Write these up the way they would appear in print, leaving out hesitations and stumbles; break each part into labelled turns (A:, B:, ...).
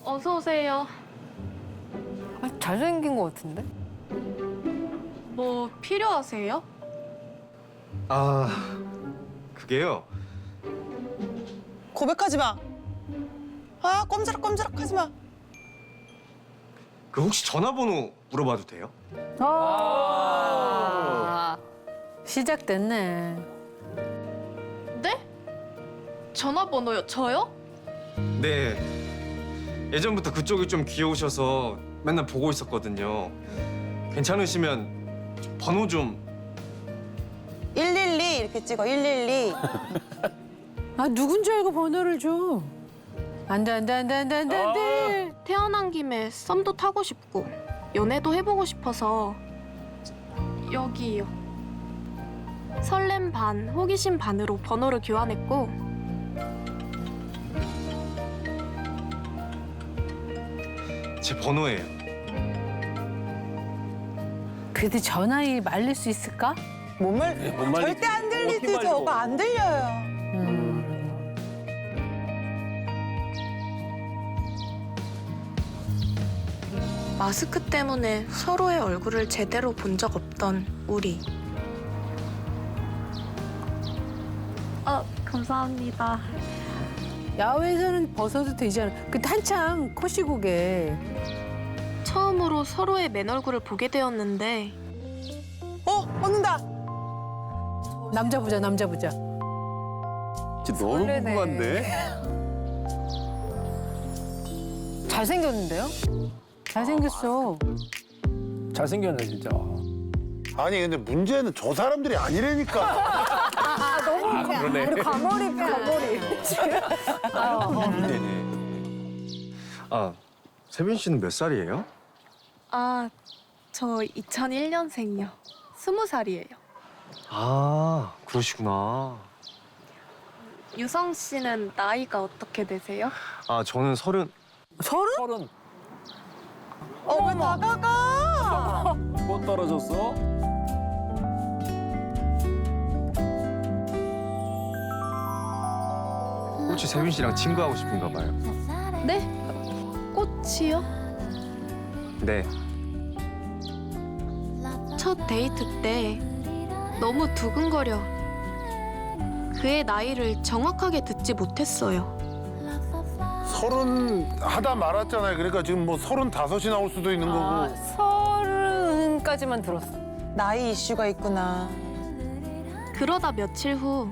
A: 어서 오세요.
B: 잘생긴 것 같은데?
A: 뭐 필요하세요?
C: 아, 그게요.
D: 고백하지 마. 아, 꼼지락꼼지락하지 마.
C: 그 혹시 전화번호 물어봐도 돼요?
B: 시작됐네.
A: 네? 전화번호요? 저요?
C: 네. 예전부터 그쪽이 좀 귀여우셔서 맨날 보고 있었거든요. 괜찮으시면 번호 좀.
D: 112 이렇게 찍어, 112.
B: 아, 누군지 알고 번호를 줘. 안 돼.
A: 태어난 김에 썸도 타고 싶고 연애도 해보고 싶어서 여기요. 설렘 반, 호기심 반으로 번호를 교환했고
C: 제 번호예요.
B: 그래도 전화에 말릴 수 있을까?
D: 몸을
E: 못 말리지.
D: 절대 안 들리지.
E: 어떻게 말려?
D: 저거 안 들려요.
A: 마스크 때문에 서로의 얼굴을 제대로 본 적 없던 우리. 감사합니다.
B: 야외에서는 벗어도 되잖아. 그때 한참 코시국에.
A: 처음으로 서로의 맨 얼굴을 보게 되었는데
D: 얻는다.
B: 남자 보자.
E: 진짜 너무 궁금한데?
B: 잘생겼는데요? 잘생겼어.
E: 잘생겼네 진짜.
F: 아니 근데 문제는 저 사람들이 아니라니까.
E: 그러네.
B: 과몰입.
C: 네네. 아, 세빈 씨는 몇 살이에요?
A: 저 2001년생이요. 20살이에요.
C: 아, 그러시구나.
A: 유성 씨는 나이가 어떻게 되세요?
C: 아, 저는 30.
E: 서른
D: 왜 다가가?
E: 뭐 떨어졌어?
C: 혹시 세빈 씨랑 친구하고 싶은가 봐요.
A: 네? 꽃이요?
C: 네.
A: 첫 데이트 때 너무 두근거려. 그의 나이를 정확하게 듣지 못했어요.
F: 30 하다 말았잖아요. 그러니까 지금 뭐 35이 나올 수도 있는 거고.
B: 30까지만 들었어.
D: 나이 이슈가 있구나.
A: 그러다 며칠 후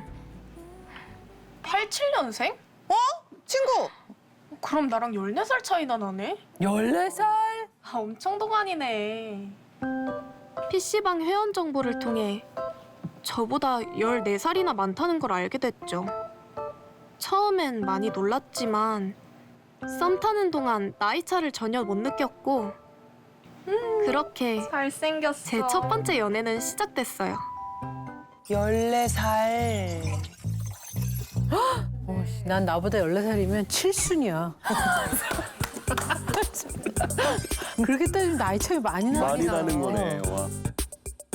A: 87년생?
D: 친구.
A: 그럼 나랑 14살 차이나 나네?
B: 14살?
A: 엄청 동안이네. PC방 회원 정보를 통해 저보다 14살이나 많다는 걸 알게 됐죠. 처음엔 많이 놀랐지만 썸 타는 동안 나이 차를 전혀 못 느꼈고 그렇게
G: 잘생겼어.
A: 제 첫 번째 연애는 시작됐어요.
D: 14살.
B: 난 나보다 14살이면 칠순이야. 그렇게 따지면 나이 차이 많이 나긴
E: 많이
B: 나.
E: 나는 거네. 와.